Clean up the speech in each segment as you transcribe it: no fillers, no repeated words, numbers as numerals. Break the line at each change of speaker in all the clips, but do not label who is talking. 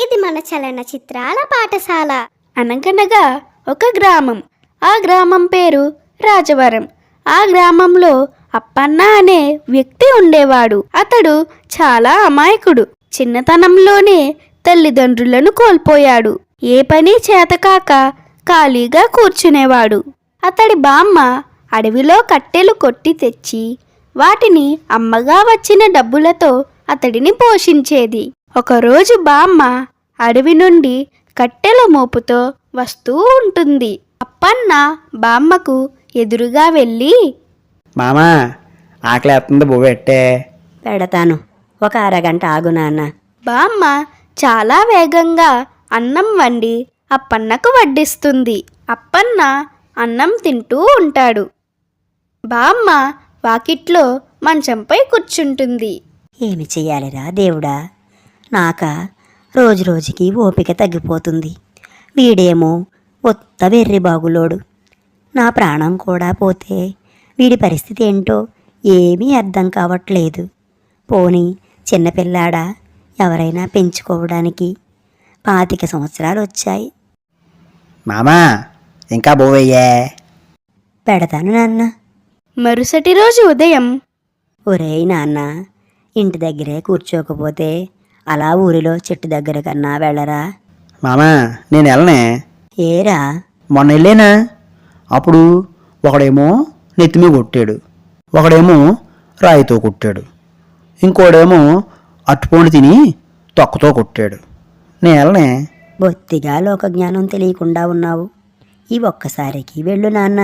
ఇది మన చలనచిత్రాల పాఠశాల.
అనగనగా ఒక గ్రామం. ఆ గ్రామం పేరు రాజవరం. ఆ గ్రామంలో అప్పన్న అనే వ్యక్తి ఉండేవాడు. అతడు చాలా అమాయకుడు. చిన్నతనంలోనే తల్లిదండ్రులను కోల్పోయాడు. ఏ పని చేతకాక ఖాళీగా కూర్చునేవాడు. అతడి బామ్మ అడవిలో కట్టెలు కొట్టి తెచ్చి వాటిని అమ్మగా వచ్చిన డబ్బులతో అతడిని పోషించేది. ఒకరోజు బామ్మ అడవి నుండి కట్టెల మోపుతో వస్తూ ఉంటుంది. అప్పన్న బామ్మకు ఎదురుగా వెళ్ళి,
మామా ఆకలేస్తుంది బువ్వెట్టే.
పెడతాను, ఒక అరగంట ఆగు నాన్న.
బామ్మ చాలా వేగంగా అన్నం వండి అప్పన్నకు వడ్డిస్తుంది. అప్పన్న అన్నం తింటూ ఉంటాడు. బామ్మ వాకిట్లో మంచంపై కూర్చుంటుంది.
ఏమి చెయ్యాలిరా దేవుడా, నాక రోజు రోజుకి ఓపిక తగ్గిపోతుంది. వీడేమో ఒత్త వెర్రి బాగులోడు. నా ప్రాణం కూడా పోతే వీడి పరిస్థితి ఏంటో ఏమీ అర్థం కావట్లేదు. పోనీ చిన్నపిల్లాడా, ఎవరైనా పెంచుకోవడానికి 25 సంవత్సరాలు వచ్చాయి.
మామా ఇంకా బువ్వయ్యే.
పెడతాను నాన్న.
మరుసటి రోజు ఉదయం,
ఒరేయ్ నాన్న, ఇంటి దగ్గరే కూర్చోకపోతే అలా ఊరిలో చెట్టు దగ్గర కన్నా వెళ్ళరా?
మామా నేను వెళ్ళనే.
ఏరా?
మొన్న వెళ్ళేనా? అప్పుడు ఒకడేమో నెత్తిమీ కొట్టాడు, ఒకడేమో రాయితో కొట్టాడు, ఇంకోడేమో అట్టుపండు తిని తొక్కతో కొట్టాడు. నేను వెళ్ళనే.
బొత్తిగా లోకజ్ఞానం తెలియకుండా ఉన్నావు. ఈ ఒక్కసారికి వెళ్ళు నాన్న.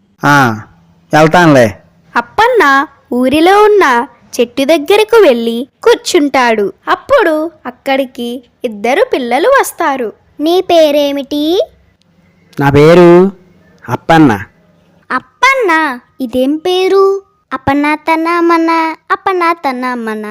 వెళ్తానులే.
అప్పన్న ఊరిలో ఉన్న చెట్టు దగ్గరకు వెళ్ళి కూర్చుంటాడు. అప్పుడు అక్కడికి 2 పిల్లలు వస్తారు.
నీ పేరేమిటి?
నా పేరు అప్పన్న.
అప్పన్న. ఇదేం పేరు? అప్పన్న తన్నమ్మన, అప్పన్న తన్నమ్మన.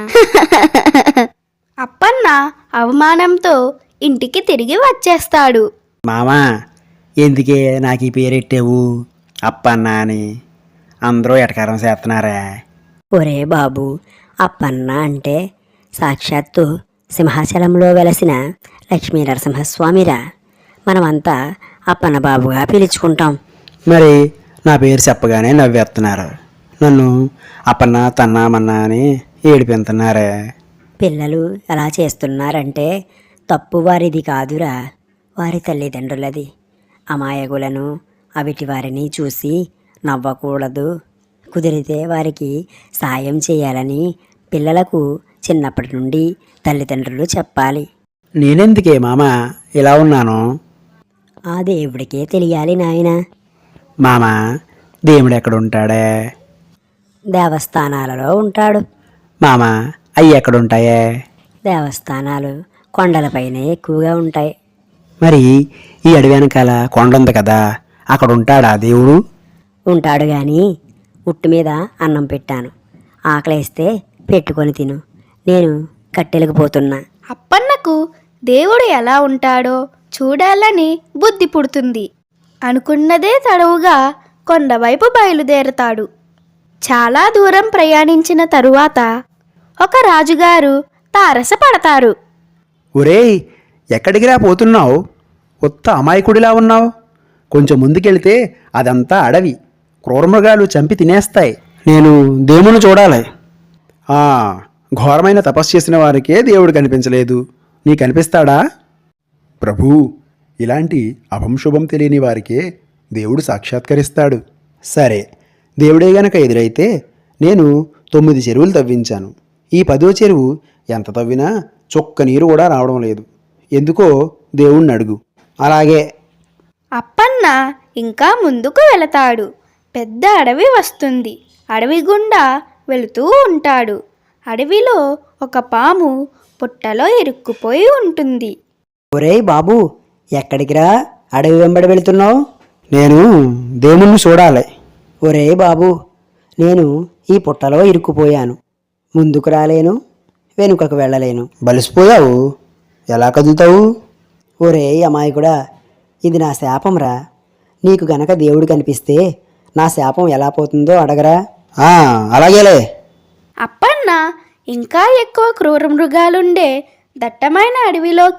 అప్పన్న అవమానంతో ఇంటికి తిరిగి వచ్చేస్తాడు.
మామా ఎందుకే నాకు ఈ పేరెట్టావు అప్పన్న అని? అందరూ ఎటకారం చేస్తున్నారా?
ఒరే బాబు, అప్పన్న అంటే సాక్షాత్తు సింహాచలంలో వెలసిన లక్ష్మీ నరసింహస్వామిరా. మనమంతా అప్పన్న బాబుగా పిలుచుకుంటాం.
మరి నా పేరు చెప్పగానే నవ్వేస్తున్నారు. నన్ను అప్పన్న తన్నామన్నా అని ఏడిపెంతున్నారే.
పిల్లలు అలా చేస్తున్నారంటే తప్పు వారిది కాదురా, వారి తల్లిదండ్రులది. అమాయకులను అవిటి వారిని చూసి నవ్వకూడదు. కుదిరితే వారికి సాయం చేయాలని పిల్లలకు చిన్నప్పటి నుండి తల్లిదండ్రులు చెప్పాలి.
నేనెందుకే మామా ఇలా ఉన్నాను?
ఆ దేవుడికే తెలియాలి నాయనా.
మామా దేవుడు ఎక్కడుంటాడే?
దేవస్థానాలలో ఉంటాడు.
మామా అవి ఎక్కడుంటాయే?
దేవస్థానాలు కొండలపైనే ఎక్కువగా ఉంటాయి.
మరి ఈ అడవి వెనకాల కొండ ఉంది కదా, అక్కడ ఉంటాడా దేవుడు?
ఉంటాడు గాని ఉట్టు మీద అన్నం పెట్టాను. ఆకలేస్తే పెట్టుకొని తిను. నేను కట్టెలకు పోతున్నా.
అప్పన్నకు దేవుడు ఎలా ఉంటాడో చూడాలని బుద్ధి పుడుతుంది. అనుకున్నదే తడవుగా కొండవైపు బయలుదేరతాడు. చాలా దూరం ప్రయాణించిన తరువాత ఒక రాజుగారు తారసపడతారు.
ఒరేయ్ ఎక్కడికి రా పోతున్నావు? కొత్త అమాయకుడిలా ఉన్నావు. కొంచెం ముందుకెళ్తే అదంతా అడవి, క్రూరమృగాలు చంపి తినేస్తాయి. నేను దేవుని చూడాలి. ఘోరమైన తపస్సు చేసిన వారికే దేవుడు కనిపించలేదు, నీ కనిపిస్తాడా?
ప్రభూ, ఇలాంటి అభంశుభం తెలియని వారికే దేవుడు సాక్షాత్కరిస్తాడు.
సరే, దేవుడే గనక ఎదురైతే నేను 9 చెరువులు తవ్వించాను. ఈ 10వ చెరువు ఎంత తవ్వినా చుక్క నీరు కూడా రావడం లేదు. ఎందుకో దేవుణ్ణి అడుగు. అలాగే.
అప్పన్న ఇంకా ముందుకు వెళతాడు. పెద్ద అడవి వస్తుంది. అడవి గుండా వెళుతూ ఉంటాడు. అడవిలో ఒక పాము పుట్టలో ఇరుక్కుపోయి ఉంటుంది.
ఒరేయ్ బాబు, ఎక్కడికి రా అడవి వెంబడి వెళుతున్నావు?
నేను దేవుణ్ణి చూడాలి.
ఒరేయ్ బాబు, నేను ఈ పుట్టలో ఇరుక్కుపోయాను. ముందుకు రాలేను, వెనుకకు వెళ్ళలేను.
బలిసిపోయావు, ఎలా కదులుతావు?
ఒరేయ్ అమాయకుడా, ఇది నా శాపంరా. నీకు గనక దేవుడు కనిపిస్తే నా శాపం ఎలా పోతుందో అడగరా.
అలాగేలే.
అప్పన్న ఇంకా ఎక్కువ క్రూర మృగాలుండే దట్టమైన అడవిలోకి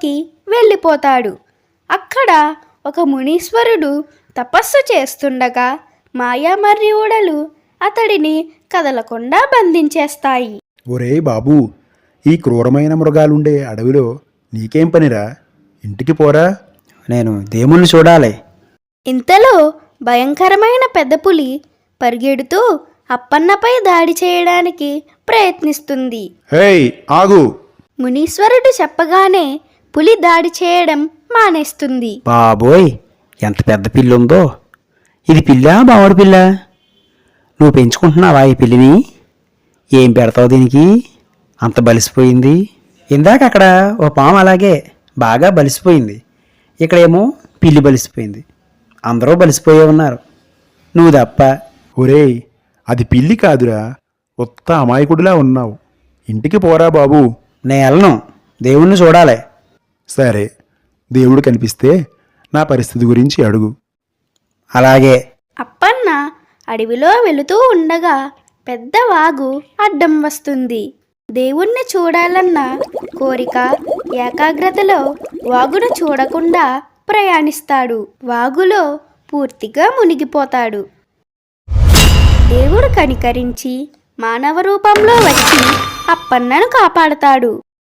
వెళ్ళిపోతాడు. అక్కడ ఒక మునీశ్వరుడు తపస్సు చేస్తుండగా మాయామర్యూడలు అతడిని కదలకుండా బంధించేస్తాయి.
ఒరేయ్ బాబూ, ఈ క్రూరమైన మృగాలుండే అడవిలో నీకేం పనిరా? ఇంటికి పోరా.
నేను దేవుణ్ణి చూడాలి.
ఇంతలో భయంకరమైన పెద్ద పులి పరిగెడుతూ అప్పన్నపై దాడి చేయడానికి ప్రయత్నిస్తుంది.
హేయ్ ఆగు!
మునీశ్వరుడు చెప్పగానే పులి దాడి చేయడం మానేస్తుంది.
బాబోయ్, ఎంత పెద్ద పిల్లి ఉందో! ఇది పిల్లా బావడి పిల్ల? నువ్వు పెంచుకుంటున్నావా ఈ పిల్లిని? ఏం పెడతావు దీనికి? అంత బలిసిపోయింది. ఇందాక అక్కడ ఓ పాము అలాగే బాగా బలిసిపోయింది. ఇక్కడేమో పిల్లి బలిసిపోయింది. అందరూ బలిసిపోయే ఉన్నారు, నువ్వు తప్ప.
ఒరేయ్, అది పిల్లి కాదురా, ఉత్త అమాయకుడిలా ఉన్నావు. ఇంటికి పోరా బాబూ.
నేను వెళ్ళను, దేవుణ్ణి చూడాలి.
సరే, దేవుడు కనిపిస్తే నా పరిస్థితి గురించి అడుగు.
అలాగే.
అప్పన్న అడవిలో వెళుతూ ఉండగా పెద్ద వాగు అడ్డం వస్తుంది. దేవుణ్ణి చూడాలన్న కోరిక ఏకాగ్రతలో వాగును చూడకుండా ప్రయాణిస్తాడు. వాగులో పూర్తిగా మునిగిపోతాడు. దేవుడు కనికరించి మానవ రూపంలో వచ్చి అప్పన్నను కాపాడతాడు.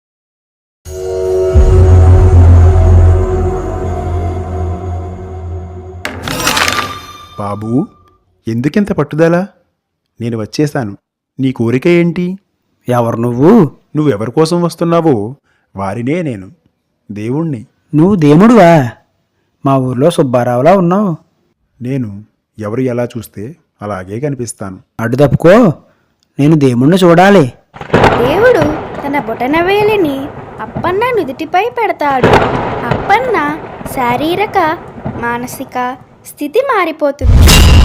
బాబూ, ఎందుకింత పట్టుదల? నేను వచ్చేశాను. నీ కోరిక ఏంటి?
ఎవరు నువ్వు?
నువ్వెవరి కోసం వస్తున్నావో వారినే నేను, దేవుణ్ణి.
నువ్వు దేవుడువా? మా ఊర్లో సుబ్బారావులా ఉన్నావు.
నేను ఎవరు ఎలా చూస్తే అలాగే కనిపిస్తాను.
అడ్డు తప్పుకో, నేను దేవుణ్ణి చూడాలి.
దేవుడు తన బొటనవేలిని అప్పన్న నుదిటిపై పెడతాడు. అప్పన్న శారీరక మానసిక స్థితి మారిపోతుంది.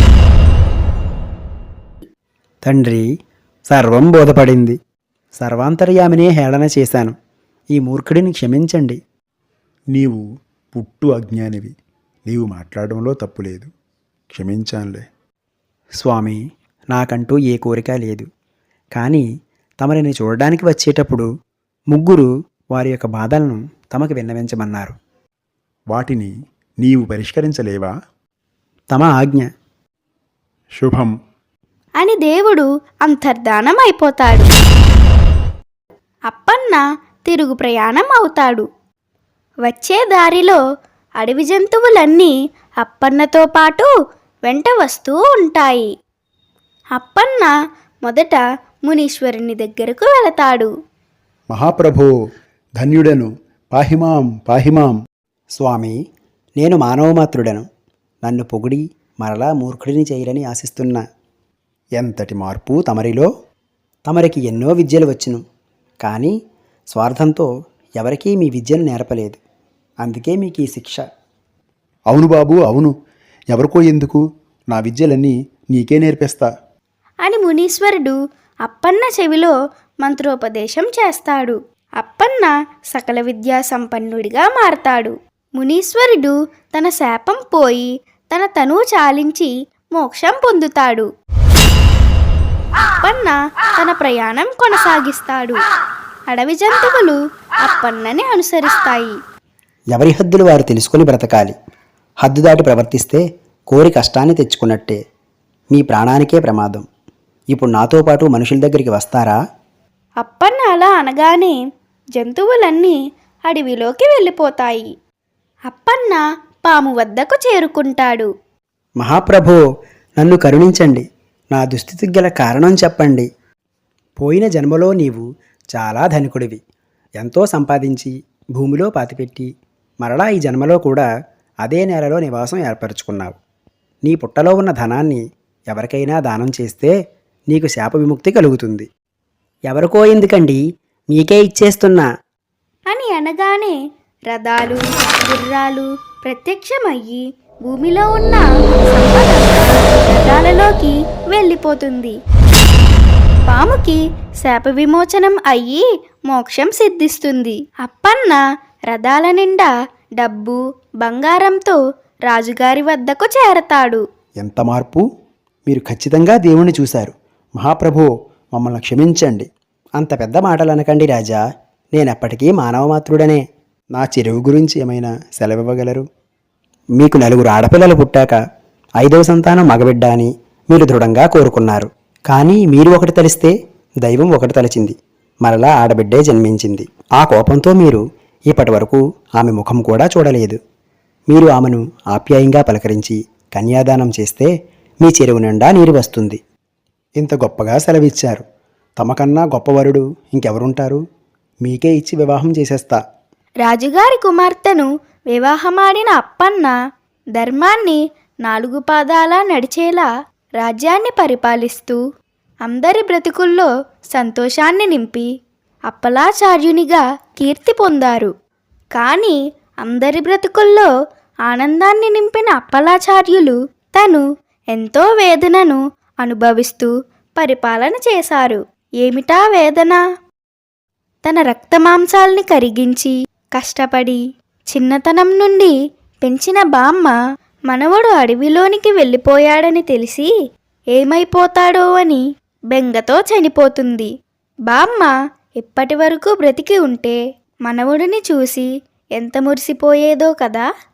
తండ్రి, సర్వం బోధపడింది. సర్వాంతర్యామినే హేళన చేశాను. ఈ మూర్ఖుడిని క్షమించండి.
నీవు పుట్టు అజ్ఞానివి. నీవు మాట్లాడడంలో తప్పులేదు. క్షమించానులే.
స్వామి, నాకంటూ ఏ కోరిక లేదు. కానీ తమరిని చూడడానికి వచ్చేటప్పుడు ముగ్గురు వారి యొక్క బాధలను తమకు విన్నవించమన్నారు.
వాటిని నీవు పరిష్కరించలేవా?
తమ ఆజ్ఞ.
శుభం
అని దేవుడు అంతర్ధానం అయిపోతాడు. అప్పన్న తిరుగు ప్రయాణం అవుతాడు. వచ్చే దారిలో అడవి జంతువులన్నీ అప్పన్నతో పాటు వెంట వస్తూ ఉంటాయి. అప్పన్న మొదట మునీశ్వరుని దగ్గరకు వెళతాడు.
మహాప్రభో, ధన్యుడను, పాహిమాం పాహిమాం.
స్వామి, నేను మానవమాత్రుడను. నన్ను పొగిడి మరలా మూర్ఖుడిని చేయరని ఆశిస్తున్నా. ఎంతటి మార్పు తమరిలో! తమరికి ఎన్నో విద్యలు వచ్చును, కానీ స్వార్థంతో ఎవరికీ మీ విద్యను నేర్పలేదు. అందుకే మీకు ఈ శిక్ష.
అవును బాబు, అవును. ఎవరికో ఎందుకు, నా విద్యలన్నీ నీకే నేర్పిస్తా
అని మునీశ్వరుడు అప్పన్న చెవిలో మంత్రోపదేశం చేస్తాడు. అప్పన్న సకల విద్యా సంపన్నుడిగా మారతాడు. మునీశ్వరుడు తన శాపం పోయి తన తనువు చాలించి మోక్షం పొందుతాడు. అప్పన్న తన ప్రయాణం కొనసాగిస్తాడు. అడవి జంతువులు అప్పన్నని అనుసరిస్తాయి.
ఎవరి హద్దులు వారు తెలుసుకొని బ్రతకాలి. హద్దు దాటి ప్రవర్తిస్తే కోరి కష్టాన్ని తెచ్చుకున్నట్టే. మీ ప్రాణానికే ప్రమాదం. ఇప్పుడు నాతో పాటు మనుషుల దగ్గరికి వస్తారా?
అప్పన్న అలా అనగానే జంతువులన్నీ అడవిలోకి వెళ్ళిపోతాయి. అప్పన్న పాము వద్దకు చేరుకుంటాడు.
మహాప్రభో, నన్ను కరుణించండి. నా దుస్థితికి గల కారణం చెప్పండి. పోయిన జన్మలో నీవు చాలా ధనికుడివి. ఎంతో సంపాదించి భూమిలో పాతిపెట్టి మరలా ఈ జన్మలో కూడా అదే నేలలో నివాసం ఏర్పరచుకున్నావు. నీ పుట్టలో ఉన్న ధనాన్ని ఎవరికైనా దానం చేస్తే నీకు శాప విముక్తి కలుగుతుంది. ఎవరికో ఎందుకండి, మీకే ఇచ్చేస్తున్నా
అని అనగానే రథాలు గుర్రాలు ప్రత్యక్షమయ్యి భూమిలో ఉన్న సంపద రథాలలోకి వెళ్ళిపోతుంది. పాముకి శాప విమోచనం అయ్యి మోక్షం సిద్ధిస్తుంది. అప్పన్న రథాల నిండా డబ్బు బంగారంతో రాజుగారి వద్దకు చేరతాడు.
ఎంత మార్పు! మీరు ఖచ్చితంగా దేవుణ్ణి చూశారు. మహాప్రభో, మమ్మల్ని క్షమించండి. అంత పెద్ద మాటలు అనకండి రాజా. నేనెప్పటికీ మానవమాత్రుడనే. నా చెరువు గురించి ఏమైనా సెలవివ్వగలరు? మీకు 4 ఆడపిల్లలు పుట్టాక 5వ సంతానం మగబిడ్డ అని మీరు దృఢంగా కోరుకున్నారు. కానీ మీరు ఒకటి తలిస్తే దైవం ఒకటి తలచింది, మరలా ఆడబిడ్డే జన్మించింది. ఆ కోపంతో మీరు ఇప్పటి వరకు ఆమె ముఖం కూడా చూడలేదు. మీరు ఆమెను ఆప్యాయంగా పలకరించి కన్యాదానం చేస్తే మీ చెరువు నిండా నీరు వస్తుంది. ఇంత గొప్పగా సెలవిచ్చారు. తమకన్నా గొప్పవరుడు ఇంకెవరుంటారు? మీకే ఇచ్చి వివాహం చేసేస్తా.
రాజుగారి కుమార్తెను వివాహమాడిన అప్పన్న ధర్మాన్ని 4 పాదాలా నడిచేలా రాజ్యాన్ని పరిపాలిస్తూ అందరి బ్రతుకుల్లో సంతోషాన్ని నింపి అప్పలాచార్యునిగా కీర్తి పొందారు. కానీ అందరి బ్రతుకుల్లో ఆనందాన్ని నింపిన అప్పలాచార్యులు తను ఎంతో వేదనను అనుభవిస్తూ పరిపాలన చేశారు. ఏమిటా వేదన? తన రక్తమాంసాల్ని కరిగించి కష్టపడి చిన్నతనం నుండి పెంచిన బామ్మ మనవడు అడవిలోనికి వెళ్ళిపోయాడని తెలిసి ఏమైపోతాడో అని బెంగతో చనిపోతుంది. బామ్మ ఇప్పటి వరకు బ్రతికి ఉంటే మనవడిని చూసి ఎంత మురిసిపోయేదో కదా.